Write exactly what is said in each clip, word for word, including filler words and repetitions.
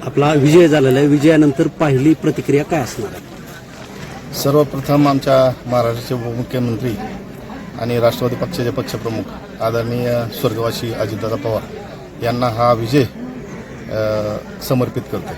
आपला विजय झालेला आहे, विजयानंतर पहिली प्रतिक्रिया काय असणार आहे? सर्वप्रथम आमच्या महाराष्ट्राचे उपमुख्यमंत्री आणि राष्ट्रवादी पक्षाचे पक्षप्रमुख आदरणीय स्वर्गवासी अजितदादा पवार यांना हा विजय अ, समर्पित करतो.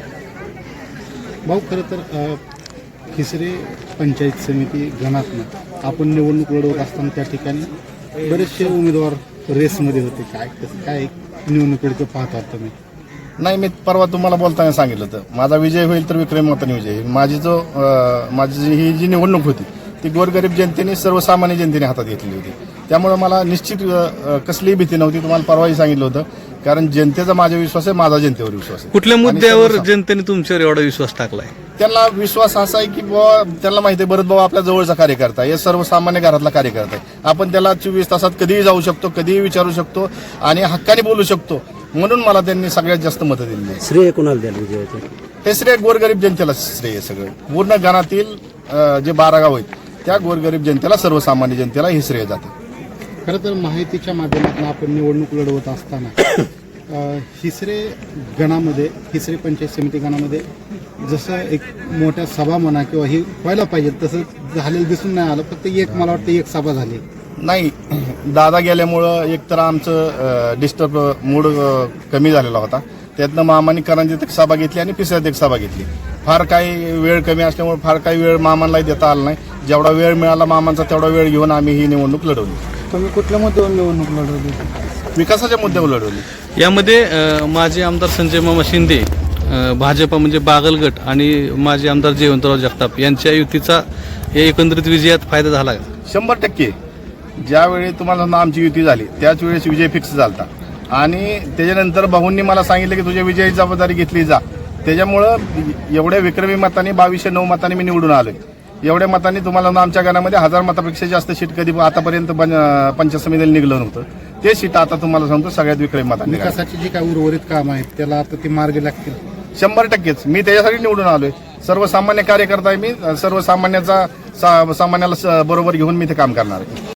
भाऊ, खरं तर खिसरे पंचायत समिती गणातनं आपण निवडणूक लढवत असताना त्या ठिकाणी बरेचसे उमेदवार रेसमध्ये होते. काय कसं काय निवडणुकीकडे पाहता तुम्ही? नाही, मी परवा तुम्हाला बोलताना सांगितलं होतं माझा विजय होईल तर विक्रमी मताने विजय होईल. माझी जो अ, माझी जी- ही जी निवडणूक होती ती गोरगरीब जनतेने सर्वसामान्य जनतेने हातात घेतली होती. त्यामुळे मला निश्चित अ, कसलीही भीती नव्हती. तुम्हाला परवाही सांगितलं होतं, कारण जनतेचा माझा विश्वास आहे, माझा जनतेवर विश्वास आहे. कुठल्या आणि मुद्द्यावर सर्वसा- जनतेने तुमच्यावर एवढा विश्वास टाकलाय? त्यांना विश्वास असा आहे की बुवा त्यांना माहिती आहे, भरत भाऊ आपल्या जवळचा कार्यकर्ता आहे, हे सर्वसामान्य घरातला कार्यकर्ता आहे. आपण त्याला चोवीस तासात कधीही जाऊ शकतो, कधीही विचारू शकतो आणि हक्काने बोलू शकतो. म्हणून मला त्यांनी सगळ्यात जास्त मतं दिली आहे. श्रेय कोणाला द्याल विजयाचं? हे श्रेय गोरगरीब जनतेला श्रेय आहे सगळं. पूर्ण गणातील अ, जे बारा गाव आहेत त्या गोरगरीब जनतेला, सर्वसामान्य जनतेला हे श्रेय जातं. खरं तर माहितीच्या माध्यमातून आपण निवडणूक लढवत असताना अ, हिसरे गणामध्ये हिसरे पंचायत समिती गणामध्ये जसं एक मोठ्या सभा म्हणा किंवा ही व्हायला पाहिजे तसं झालेलं दिसून नाही आलं. फक्त एक, मला वाटतं एक सभा झाली. नाही, दादा गेल्यामुळं एकतर आमचं डिस्टर्ब मूड अ, कमी झालेला होता. त्यातनं मामांनी करंजीत एक सभा घेतली आणि पिसऱ्यात एक सभा घेतली. फार काही वेळ कमी असल्यामुळे फार काही वेळ मामांनाही देता आला नाही. जेवढा वेळ मिळाला मामांचा तेवढा वेळ घेऊन आम्ही ही निवडणूक लढवली. तुम्ही कुठल्या मुद्द्यावर निवडणूक लढवली? विकासाच्या मुद्द्यावर लढवली. यामध्ये अ, माजी आमदार संजय मामा शिंदे, अ, भाजपा म्हणजे बागलगट आणि माजी आमदार जयवंतराव जगताप यांच्या युतीचा या एकंदरीत विजयात फायदा झाला का? शंभर टक्के. ज्यावेळी तुम्हाला समजा आमची युती झाली त्याच वेळेस विजय फिक्स झाला आणि त्याच्यानंतर भाऊंनी मला सांगितलं की तुझ्या विजयाची जबाबदारी घेतली जा. त्याच्यामुळं एवढ्या विक्रमी मताने बावीसशे नऊ मतांनी मी निवडून आलोय. एवढ्या मतांनी तुम्हाला ना आमच्या गणामध्ये हजार मतापेक्षा जास्त सीट कधी आतापर्यंत पंच- पंचायत समितीला निघलं नव्हतं. ते सीट आता तुम्हाला सांगतो सगळ्यात विक्रमी मतांनी निघाली. विकासाची जी काही उर्वरित काम आहेत त्याला आता ते मार्ग लागतील. शंभर टक्केच मी त्याच्यासाठी निवडून आलोय. सर्वसामान्य कार्यकर्ता आहे मी. सर्वसामान्याचा सा- सामान्याला स- बरोबर घेऊन मी ते काम करणार आहे.